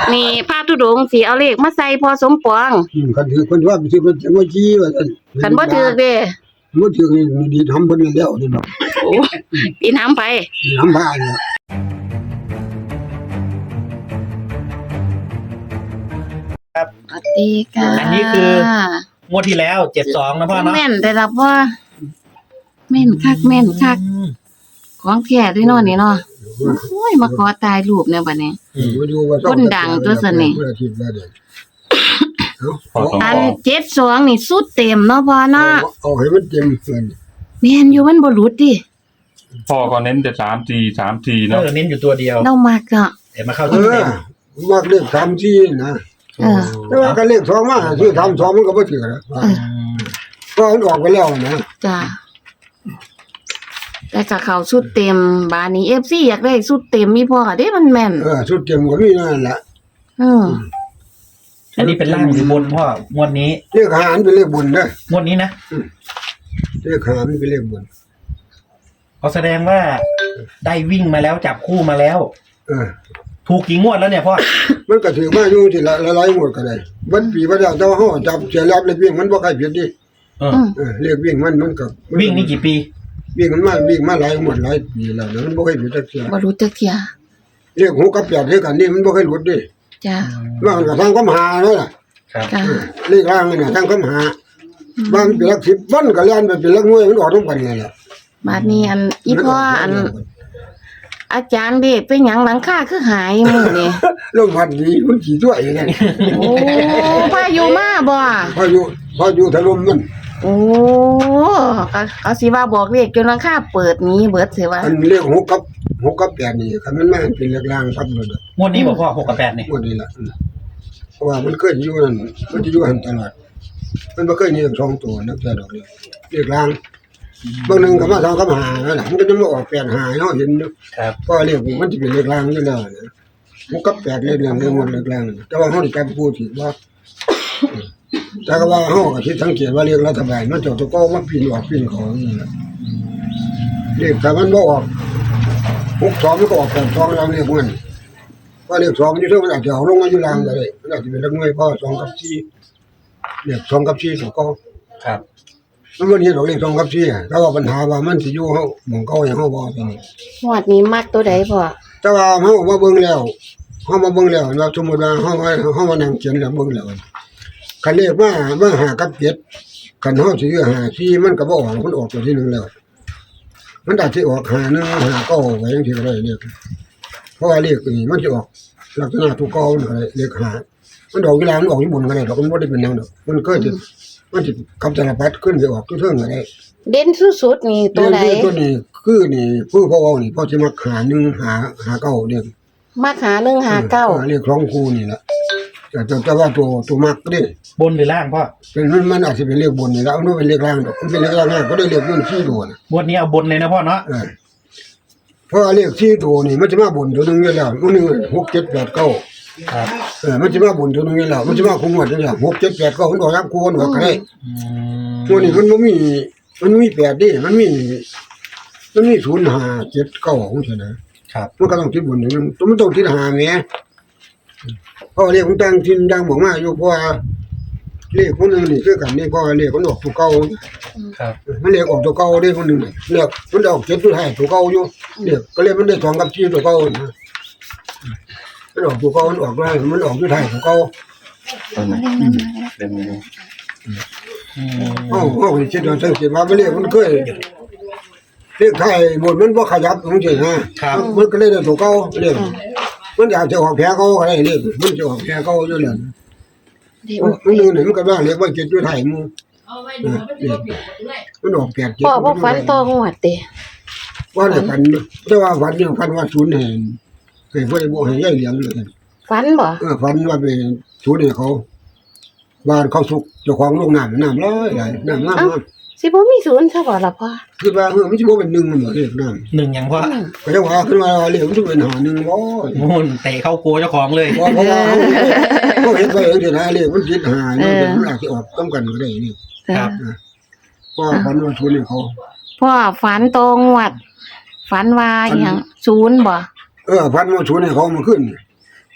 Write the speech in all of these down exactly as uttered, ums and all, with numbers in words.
นี่พระธุดงค์สิเอาเลขมาใส่พอสมปองคันถือคนว่าไปถือมันจะมาจี้ว่าซั่นคันบ่ถือเด้บ่ถือนี่ดีทำเพิ่นแล้วนี่เนาะโอ้ตีน้ำไปน้ำบ้านเนี่ยครับสวัสดีค่ะอันนี้คืองวดที่แล้วเจ็ดสองนะพ่อเนาะแม่นได้รับว่าแม่นคักแม่นคักของแท้ด้วยเนาะนี่เนาะโอ้ยมาขอตายรูปเนี่ยบัดนี้คนดังตัวซั่นนี่อันเจ็ดสองนี่สุดเต็มเนาะพ่อเนาะเอาให้มันเต็มเพิ่นแม่นอยู่มันบ่หลุดดิพ่อก็เน้นแต่สามทีสามทีเนาะเออเน้นอยู่ตัวเดียวเรามักเนาะแต่มาเข้าที่เต็มมักเลขสามทีนะเออแต่ว่าก็เลขสองมาชื่อทำสองมันก็บ่ถือแล้วก็มันออกไปแล้วนะจ้ะแต่ก็เข้าชุดเต็มบาดนี้ เอฟ ซี อยากได้ชุดเต็มมีพ่อเด้มันแม่นเออชุดเต็มก็มีนั่นแหละเอออันนี้เป็นล่างหรือบนพ่องวดนี้เลขหารเป็นเลขบุญเด้องวดนี้นะเลขหารเป็นเลขบุญเขาแสดงว่าได้วิ่งมาแล้วจับคู่มาแล้วเออถูกกี่งวดแล้วเนี่ยพ่อมันก็ถือมาอยู่ที่ละหลายๆงวดก็ได้บัดปีบ่ได้แต่ว่าเฮาจับเสียรับเลขวิ่งมันบ่ใครผิดดิเออเออเลขวิ่งมันมันก็วิ่งนี่กี่ปีวิ่งมันมาวิ่งมาหลายงวดหลายปีแล้วนะมันบ่เคยผิดจักเที่ยบ่รู้จักเที่ยเลขหกกับแปดคือกันนี่มันบ่เคยหลุดดิจ้ะมันก็ทางคำหานั่นล่ะครับเลขล่างนี่น่ะทางคำหาบางเป็นหลักสิบวันก็แล่นไปเป็นหลักหน่วยมันออกทุกวันนี่แหละบาดนี้อันอีพ่ออันอาจารย์เด้เป็นหยังหลังคาคือหายมื้อนี้ลมพัดดีมันขี้ตัวอย่างนั้นโอ้พายุมาบ่พายุพายุถล่มมันโอ้ก็เอาสิว่าบอกเลขจนหลังคาเปิดนี้เบิดสิว่าอันเลขหกกับหกกับแปดนี่คันมันมาเป็นเลขล่างครับเด้องวดนี้บ่พ่อหกกับแปดนี่งวดนี้ล่ะเพราะว่ามันเคยอยู่นั่นมันจะอยู่หั่นตลอดมันบ่เคยมีสองตัวนักแต่ดอกนี้เลขล่างบางนึงก็มาทางคำหานั่นน่ะมันก็จะมาออกแปดหาเนาะเห็นเนาะครับก็เลขมันสิเป็นเลขล่างอยู่แล้วนะหกกับแปดเลขล่างเลขหมดเลขล่างแต่ว่าเฮาได้จับพูดถึงว่าแต่ก็ว่าเฮาก็คิดสังเกตว่าเลขรัฐบาลมันเจ้าตัวก็มาปีนออกปีนของนี่ล่ะเลขถ้ามันบ่ออกหกสองมันก็ออกแปดสองแล้วเลขมันว่าเลขสองอยู่เท่ามันอาจจะเอาลงมาอยู่ล่างก็ได้มันอาจจะเป็นเลขหน่วยเพราะสองกับสี่เลขสองกับสี่ตัวก็ครับมันบ่เห็นดอกเลขสองกับสี่แต่ว่าปัญหาว่ามันสิอยู่เฮาหม้องเก่าให้เฮาบ่ตัวนี้งวดนี้มักตัวใดพ่อแต่ว่าเฮามาเบิ่งแล้วเฮามาเบิ่งแล้วว่าสมมุติว่าเฮาเฮามานั่งเขียนแล้วเบิ่งแล้วคันเลขมามาหากับเจ็ดคันเฮาสิซื้อหาสี่มันก็บ่ออกมันออกตัวที่หนึ่งแล้วมันอาจสิออกหาหนึ่งหาเก้าไว้จังซี่ก็ได้เลขเพราะว่าเลขนี่มันสิออกลักษณะตัวเก่ามันก็ได้เลขหามันออกเวลามันออกอยู่บนก็ได้ดอกมันบ่ได้เป็นแนวดอกมันก็สิมันสิคำสารพัดขึ้นสิออกทุกเทิงก็ได้เด่นสุดๆนี่ตัวใดตัวนี้คือนี่ผู้พ่อเอานี่พ่อสิมักหาหนึ่งหาหาเก้าเด้อมักหาหนึ่งหาเก้าเลขของครูนี่ล่ะแต่แต่ว่าตัวตัวมักเด้บนหรือล่างพ่อเป็นมันมันอาจสิเป็นเลขบนนี่แล้วมันเป็นเลขล่างดอกมันเป็นเลขล่างง่ายก็ได้เลขอยู่สี่ตัวน่ะงวดนี้เอาบนเลยนะพ่อเนาะเออเพราะเลขสี่ตัวนี่มันจะมาบนตัวนึงอยู่แล้วมันนึงหก เจ็ด แปด เก้าครับเออมันจะมาบนตัวนึงอยู่แล้วมันจะมาคงหมดอยู่แล้วหก เจ็ด แปด เก้ามันออกรับคูณออกก็ได้อืมตัวนี้มันบ่มีมันมีแปดดิมันมีมันมีศูนย์ ห้า เจ็ด เก้าจังซี่นะครับมันก็ต้องคิดบนนึงตัวมันต้องคิดหาแหมเพราะเลขของต่างถิ่นดังบอกมาอยู่เพราะว่าเลขคนนึงนี่คือกันนี่เพราะเลขมันออกตัวเก่าครับมันเลขออกตัวเก่าได้คนนึงนี่เลขมันออกเจ็ดตัวท้ายตัวเก่าอยู่เลขก็เลยมันได้สองกับสี่ตัวเก่านะมันออกตัวเก่ามันออกได้มันออกตัวท้ายตัวเก่าเป็นไงเอ้าเอ้าคิดว่าจังซี่ว่ามันเลขมันเคยเลขไทยบนมันบ่ขยับจังซี่นะมันก็เลยได้ตัวเก่าเลขมันอยากจะออกแผลเก่าก็ได้เลขมันจะออกแผลเก่าอยู่แล้วมันนึงนี่มันก็ว่าเลขว่าเจ็ดตัวท้ายหมู่เอาไว้ดูมันสิบ่ผิดด้วยมันออกแปด เจ็ดพ่อบ่ฝันต่องวดติว่าได้ฝันแต่ว่าฝันเนี่ยฝันว่าศูนย์ให้ให้บ่ได้บ่ให้ยายเลี้ยงเลยฝันบ่เออฝันว่าไปศูนย์ให้เขาบ้านเขาสุกเจ้าของโรงน้ำน้ำร้อยหลายน้ำน้ำสิบ่มีศูนย์ซะบ่ล่ะพ่อคือว่าเออมันสิบ่เป็นหนึ่งมันบ่เลขน้ำหนึ่งหยังพ่อก็จังว่าขึ้นมาเลขมันสิเป็นหาหนึ่งบ่โน่นเตะเข้าโกเจ้าของเลยเพราะว่าเขาเฮ็ดไว้จังซี่นะเลขมันคิดหาเนี่ยมันอาจสิออกต้องกันก็ได้นี่ครับก็ฝันว่าศูนย์ให้เขาพ่อฝันตรงวดฝันว่าหยังศูนย์บ่เออฝันว่าศูนย์ให้เขามาขึ้น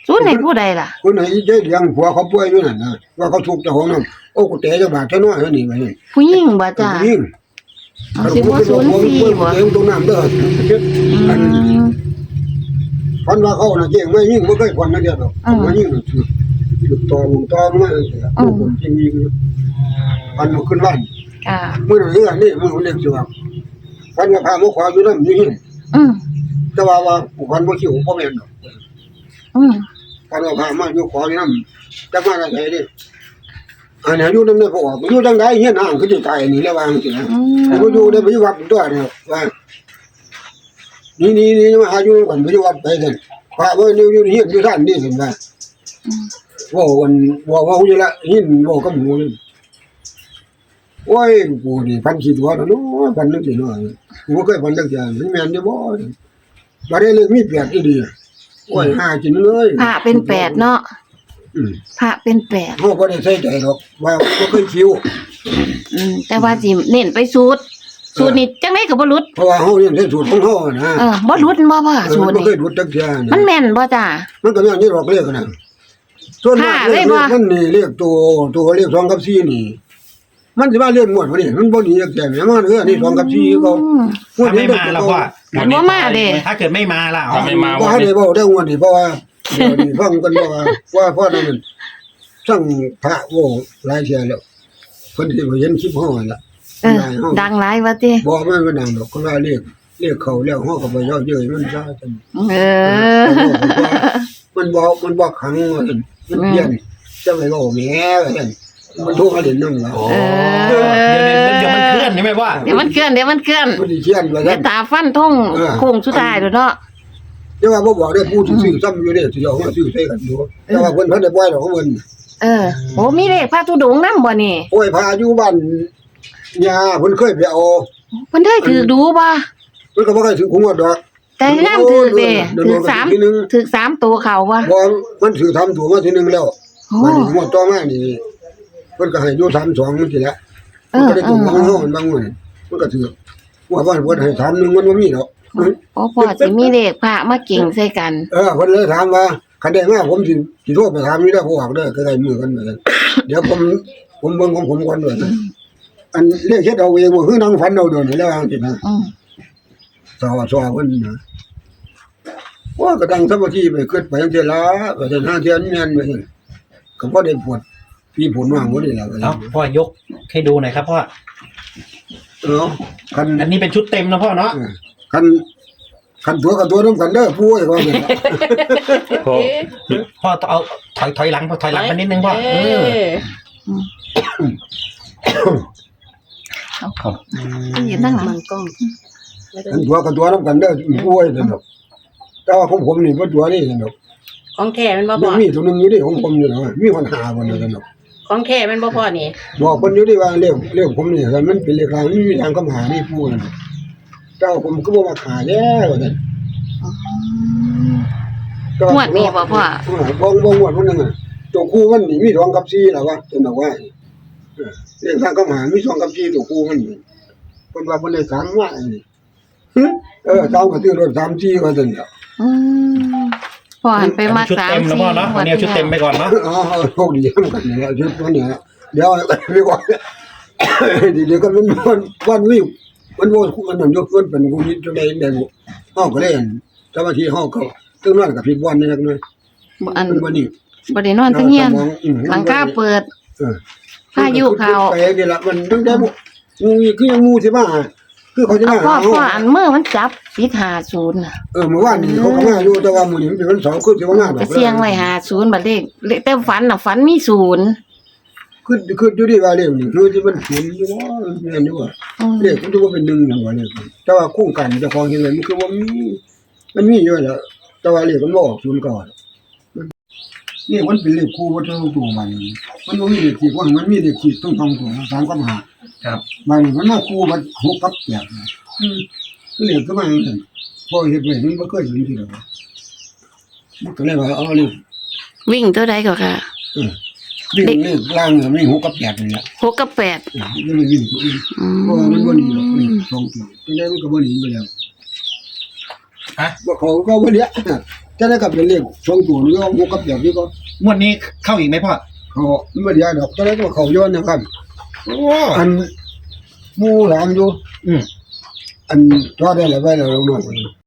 ศูนย์ให้ผู้ใดล่ะคนไหนใจเลี้ยงผัวเขาป่วยอยู่นั่นนะว่าเขาถูกเจ้าของน้ำโอ้กูเตะเจ้าบาดเท่าน้อยเท่านี้มานี่ผู้หญิงบ่จ้ายิ่งเอาสิบ่ศูนย์สี่บ่เองตรงน้ำเด้ออืมพันว่าเขาน่ะเจ๊งไม่ยิ่งบ่เคยพันนะเดียวดอกมายิ่งถือถือตอมุงตอมาเสียผู้คนจริงยิงพันมาขึ้นบ้านค่ะมื้อนั้นเรื่องนี้มื้อเล็กสิว่าพันว่าพามาขออยู่นำอยู่หิ้งอืมแต่ว่าว่าพันบ่คิวบ่แม่นดอกอืมพันว่าพามาอยู่ขออยู่นำจักมาได้ไสเด้อันนี้อยู่นำได้บ่ออกอยู่จังได๋เฮียนางคือสิตายนี่แล้วว่าจังซี่นะอืบ่มอยู่ได้ไปวัดตัวเนี่ยว่านี่นี่นี่มาหาอยู่กันไปวัดไปกันพระว่าอยู่อยู่เฮียนอยู่ท่านนี่ซั่นว่าว่าวันว่าว่าอยู่ละหินว่ากับหมูนี่โอ้ยกูนี่พันคิดว่าเนาะพันนึกสิเนาะกูบ่เคยพันจักอย่างมันแม่นอยู่บ่บ่ได้เลยมีแปดอีดีโอ้ยหากินเลยพระเป็นแปดเนาะอืมพระเป็นแปดเฮาบ่ได้ใส่ใจหรอกว่าบ่เคยคิวอืมแต่ว่าสิเน้นไปสูตรสูตรนี่จังได๋ก็บ่หลุดเพราะว่าเฮาเรียนใส่สูตรของเฮานะเออบ่หลุดบ่พ่อเออสูมัตนรบ่เคนี่ยดูจักอย่างมันแม่นบ่จ้ามันก็แม่นอยู่ดอกเลขนะส่วนมากค่ะเลเลยขบ่มันนี่เลขตัวตัวเลขสองกับสี่นี่ มันสิมาเรียนหมวดบ่นี่มันบ่หนีจากแต่แม่มันเออนี่สองกับสี่เขาอืมงวดถ้านี้ไม่มาแล้วพ่อมันบ่มาเด้ถ้าเกิดไม่มาล่ะถ้าไม่มาบ่วันให้นี้ได้เว้าได้งวดนี้เพราะว่าเดี๋ยวนี้ฟังกันว่าว่าพ่อนั่นมันสั่งพระโว้หลายเที่ยแล้วเพิ่นสิบ่เห็นคลิปเฮานั่นล่ะเออดังหลายว่าติบ่มันก็ดังดอกคนว่าเลขเลขเขาแล้วเฮาก็บ่ย่อเย้ยมันซะจังเออมันบ่มันบ่ขังว่าซั่นมันเปลี่ยนจะไปเว้าแหมว่าซั่นมันโทรมาเล่นนำล่ะโอ้เดี๋ยวเดี๋ยวมันเคลื่อนใช่ไหมพ่อเดี๋ยวมันเคลื่อนเดี๋ยวมันเคลื่อนมันสิเขียนว่าเดี๋ซั่ยวน ตาฟันทงโค้งสุดท้ายเด้อเนาะแต่ว่าบ่บอกได้ผู้ที่ซื้อซ้ำอยู่เด้สิเอามาซื้อใส่กันอยู่แต่ว่าเพิ่นเพิ่นได้ปล่อยดอกของเพิ่นเออโอ้มีเลขพระธุดงค์นำบ่นี่โอ้ยพาอยู่บ้านยาเพิ่นเคยไปเอาเพิ่นได้ถือดูบ่เพิ่นก็บ่เคยถือของวัดดอกแต่งามถือเด้ถือสามทีนึงถือสามตัวเขาบ่บ่มันถือทำตัวมาทีนึงแล้วโอ้มันงวดต่อมานี่เพิ่นก็ให้อยู่สามสองจังซี่แหละเอมันอก็ได้เอตัวอบางเฮาบางวันมันก็ถือว่าบ้านเพิ่นให้สามหนึงมันบ่มีดอกโอ้พ่อสิมีเลขพระมาเก่งใส่กันเออเพิ่นเลยถามว่าคันได้มาผมสิสิโทรไปถามอยู่ได้อผู้ออกเด้อใกล้ๆมือกันเหมือนกันเดี๋ยวผมผมเบิ่งของผมก่อนด้วยอันเรียกเฮ็ดเอาเองว่าคือนั่งฝันเอาเดี๋ยวนี้แล้วจังซี่นะอืมสาวสาวเพิ่นนะว่าก็ตั้งสมาธิไปคิดไปจังซี่ล่ะก็จะหาเทียนแม่นไปจังก็บ่ได้ปวดมีผลว่างบ่นี่ล่ะเอ้าพ่อยกให้ดูหน่อยครับพ่อเออคันอันนี้เป็นชุดเต็มนะพ่อเนาะเออคันคันตัวกับตัวนํกันเด้อผู้ไอ้ว่าเนี่ยพอพ่อต้องเอาถอยถอยหลังถอยหลังมานิดนึงพ่อเออครับยืนนั่งหลังมังกล้องคันตัวกับตัวนํกันเด้อผู้ไอ้นั่นดอกแต่ว่าของผมนี่บ่ตัวนี่นั่นดอกของแท้มันบ่มัพ่อนมีตัวหนึงอยู่ดิของผมนี่นะมีปัญหาบ่นั่นดอกของแท้มันบ่พ่อนี่บอกเพิ่นอยู่ดิว่าเรื่องเรื่องผมนี่มันเป็นเรื่องราวมันมีทางคำหานี่ผู้นั่นเจ้าผมก็บ่มาขายแล้วว่าซั่นงวดนี้บ่พ่อเออบ่บ่งวดมันนึงอ่ะตัวคู่มันนี่มีสองกับสี่แล้วว่าจังบอกว่าเออเรื่องทางคำหามีสองกับสี่ตัวคู่มันนี่เพิ่นว่าเพิ่นได้สามว่าอันนี้หึเออเจ้าก็ซื้อรถสามสี่ว่าซั่นแหล้วอืมพ่อหันไปมาชุดสามเต็มนะสี่พ่อเนาะอันนี้เอาชุดเต็มไปก่อนเนาะอ๋อโชคดีเหมือนกันเนี่ยชุดตัวเนี้ยเดี๋ยวเรียกว่าเดี๋ยวก็มันมันวันวิวมันโวยมันนั่นยกขึ้นเป็นกูนิดจังได๋ได้บ่เฮาก็เล่นสมาธิเฮาก็ตึงนั้นก็ผิดวันนี่จักหน่อยบ่อันมันบ่นี่บ่ได้นอนทั้งเฮียนหลังคาเปิดเออพายุเข้าไปนี่ล่ะมันตั้งแต่งูคือยังงูสิมาคือเขาจะเอามาพ่อพ่ออันมือมันจับปิดห้าศูนย์น่ะเออเมื่อวานนี้เขาก็มาอยู่แต่ว่ามื้อนี้มันเป็นวันเสาร์คือสิว่ามาดอกก็เสียงไว้ห้าศูนย์บัดเลขเลขแต่ฝันน่ะฝันมีศูนย์คือคืออยู่ดีว่าเร็วนี่คือที่มันศูนย์อยู่ว่าแม่นอยู่ว่าอืมเลขมันจะว่าเป็นหนึ่งอย่างว่าเลขแต่ว่าโครงการเจ้าของเห็นเลยมันคือว่ามีมันมีเยอะแล้วแต่ว่าเลขมันบ่ออกศูนย์ก่อนมันนี่มันเป็นเลขคู่ว่าเท่าตัวมันมันบ่มีเลขที่ว่ามันมีเลขที่ต้องต้องตัวสามกับห้าครับมันมันมาคู่มันหกกับแปดนะอืมคือเลขก็มาอย่างนั้นพอเฮ็ดไว้มันบ่เคยเห็นทีเดียวมันก็เลยว่าเอาเลขวิ่งตัวใดก็ค่ะเออวิ่งเลขล่างเนี่ยมีหกกับแปดนี่แหละหกกับแปดเออยังไม่วิ่งตัวอื่นอืมเพราะว่ามันบ่หนีหรอกเลขสองตัวจังได๋มันก็บ่หนีไปแล้วฮะบ่เขาก็บ่เลี้ยจะได้กับเป็นเลขสองตัวนี่ก็หกกับแปดนี่ก็งวดนี้เข้าอีกไหมพ่อเขาไม่ได้ดอกจะได้ก็เขาย้อนนะครับโอ้อันหมู่หลานอยู่อืมอันจอได้แล้วไว้แล้วลงน้อง